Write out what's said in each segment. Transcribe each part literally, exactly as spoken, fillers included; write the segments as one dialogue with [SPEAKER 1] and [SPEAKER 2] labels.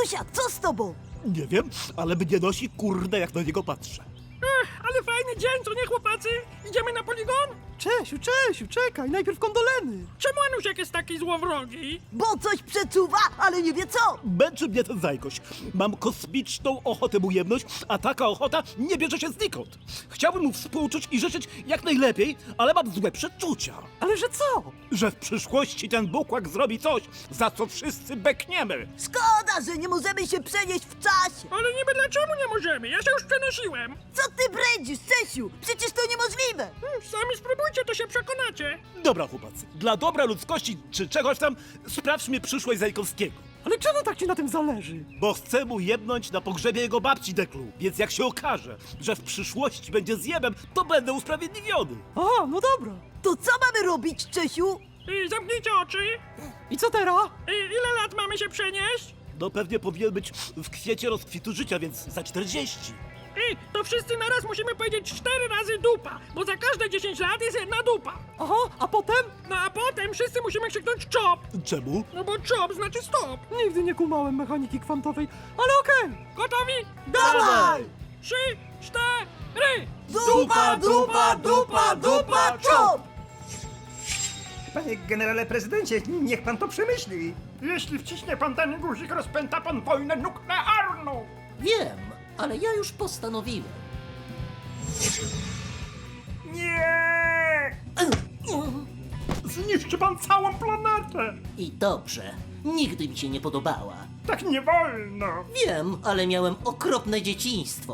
[SPEAKER 1] Anusia, co z tobą?
[SPEAKER 2] Nie wiem, ale mnie nosi kurde, jak na niego patrzę.
[SPEAKER 3] Ech, ale fajny dzień, co nie chłopacy? Idziemy na poligon?
[SPEAKER 4] Czesiu, Czesiu, czekaj, najpierw kondoleny.
[SPEAKER 3] Czemu Anusiak jest taki złowrogi?
[SPEAKER 1] Bo coś przeczuwa, ale nie wie co.
[SPEAKER 2] Męczy mnie ten zajkoś. Mam kosmiczną ochotę mu jebnąć, a taka ochota nie bierze się znikąd. Chciałbym mu współczuć i życzyć jak najlepiej, ale mam złe przeczucia.
[SPEAKER 4] Ale że co?
[SPEAKER 2] Że w przyszłości ten bukłak zrobi coś, za co wszyscy bekniemy.
[SPEAKER 1] Szkoda, że nie możemy się przenieść w czasie.
[SPEAKER 3] Ale niby dlaczego nie możemy? Ja się już przenosiłem.
[SPEAKER 1] Co ty brędzisz, Czesiu? Przecież to niemożliwe.
[SPEAKER 3] Hmm, sami spróbujcie, to się przekonacie.
[SPEAKER 2] Dobra, chłopacy, dla dobra ludzkości czy czegoś tam, sprawdźmy przyszłość Zajkowskiego.
[SPEAKER 4] Ale czemu tak ci na tym zależy?
[SPEAKER 2] Bo chcę mu jebnąć na pogrzebie jego babci Deklu. Więc jak się okaże, że w przyszłości będzie zjebem, to będę usprawiedliwiony.
[SPEAKER 4] A, no dobra.
[SPEAKER 1] To co mamy robić, Czesiu?
[SPEAKER 3] I zamknijcie oczy.
[SPEAKER 4] I co teraz?
[SPEAKER 3] I ile lat mamy się przenieść?
[SPEAKER 2] No pewnie powinien być w kwiecie rozkwitu życia, więc za czterdzieści.
[SPEAKER 3] I to wszyscy naraz musimy powiedzieć cztery razy dupa, bo za każde dziesięć lat jest jedna dupa.
[SPEAKER 4] Aha, a potem?
[SPEAKER 3] No a potem wszyscy musimy krzyknąć czop,
[SPEAKER 2] Czemu?
[SPEAKER 3] no bo czop znaczy stop.
[SPEAKER 4] Nigdy nie kumałem mechaniki kwantowej, ale okej.
[SPEAKER 3] Gotowi?
[SPEAKER 1] Dawaj!
[SPEAKER 3] Trzy, cztery.
[SPEAKER 1] Dupa, dupa, dupa, dupa, czop!
[SPEAKER 5] Panie generale prezydencie, niech pan to przemyśli.
[SPEAKER 3] Jeśli wciśnie pan ten guzik, rozpęta pan wojnę nuklearną.
[SPEAKER 6] Wiem, ale ja już postanowiłem.
[SPEAKER 3] Nie! Zniszczy pan całą planetę.
[SPEAKER 6] I dobrze, nigdy mi się nie podobała.
[SPEAKER 3] Tak nie wolno.
[SPEAKER 6] Wiem, ale miałem okropne dzieciństwo.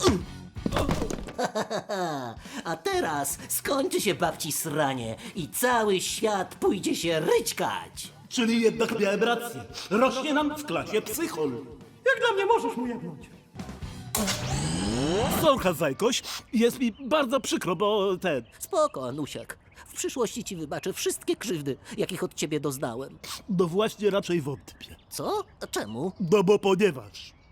[SPEAKER 6] A teraz skończy się babci sranie i cały świat pójdzie się ryćkać.
[SPEAKER 2] Czyli jednak miałem rację. Rośnie nam w klasie psychol.
[SPEAKER 4] Jak dla mnie możesz mu jebnąć.
[SPEAKER 2] Słuchaj, Zajkoś, jest mi bardzo przykro, bo ten...
[SPEAKER 6] Spoko, Anusiak. W przyszłości ci wybaczę wszystkie krzywdy, jakich od ciebie doznałem.
[SPEAKER 2] No właśnie raczej wątpię.
[SPEAKER 6] Co? A czemu?
[SPEAKER 2] No bo ponieważ...